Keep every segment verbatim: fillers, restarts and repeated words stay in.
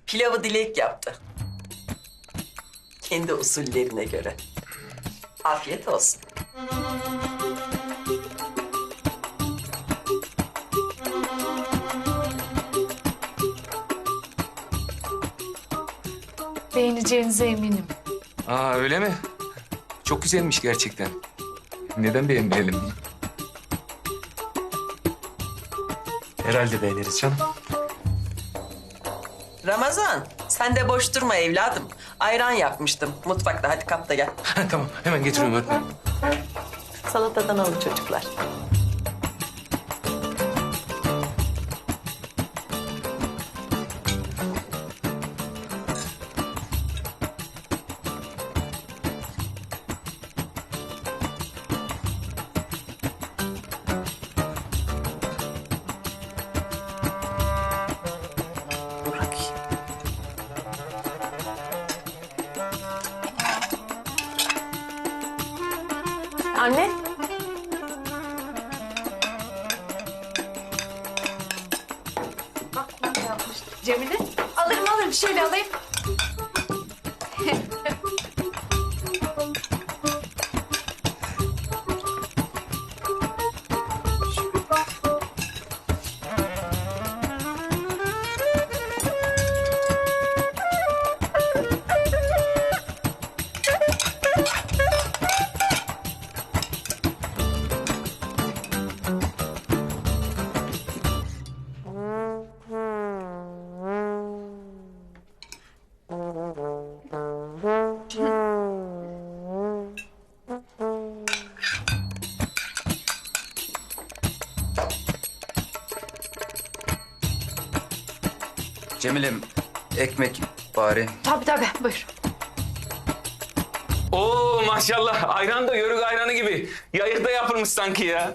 Pilavı Dilek yaptı. Kendi usullerine göre. Afiyet olsun. Beğeneceğinize eminim. Aa öyle mi? Çok güzelmiş gerçekten. Neden beğenmeyelim? Herhalde beğeniriz canım. Ramazan, sen de boş durma evladım. Ayran yapmıştım mutfakta. Hadi kap da gel. Tamam hemen getiriyorum öğretmenim. Salatadan alın çocuklar. Bırakayım. Anne. Bak ne yapmış. Cemile. Alırım alırım. Şöyle alayım. Cemilem, ekmek bari. Tabii tabii. Buyur. Oo maşallah ayran da yörük ayranı gibi. Yayıkta yapılmış sanki ya.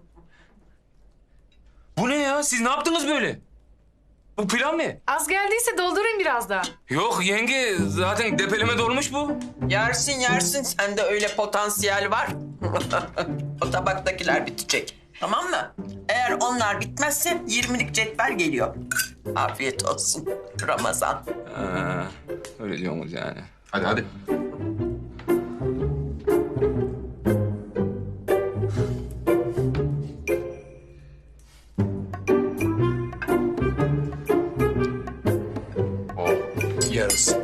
Bu ne ya? Siz ne yaptınız böyle? Bu pilav mı? Az geldiyse doldurayım biraz daha. Yok yenge zaten depeleme dolmuş bu. Yersin yersin. Sende öyle potansiyel var. O tabaktakiler bitecek. Tamam mı? Eğer onlar bitmezse yirmilik cetvel geliyor. Afiyet olsun Ramazan. Ha, öyle diyorsunuz yani. Hadi hadi. Yarısı.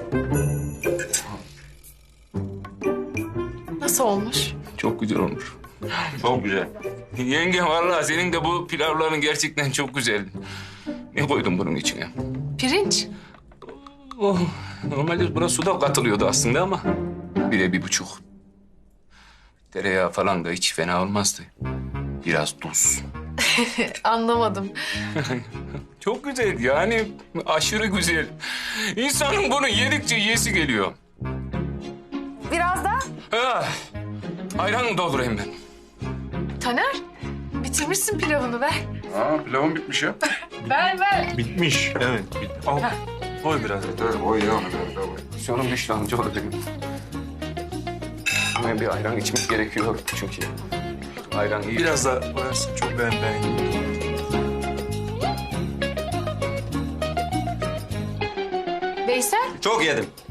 Nasıl olmuş? Çok güzel olmuş. Çok güzel. Yenge vallahi senin de bu pilavların gerçekten çok güzel. Ne koydun bunun içine? Pirinç. Oh, normalde buna su da katılıyordu aslında ama bire bir buçuk. Tereyağı falan da hiç fena olmazdı. Biraz tuz. Anlamadım. Çok güzel yani aşırı güzel. İnsanın bunu yedikçe yesi geliyor. Biraz daha. Ah, ayran mı doldurayım ben? Taner. Bitirmişsin pilavını ver. Aa, pilavım bitmiş ya. Ver ver. Bitmiş. Evet. Bit Al. Koy biraz. Evet, o iyi onu ver, ver. Sonum düştü amcaoğlu benim. Ama bir ayran içmek gerekiyor çünkü. Ayran iyi. Biraz daha koyarsın. Çok ben beğendim. Veysel. Çok yedim.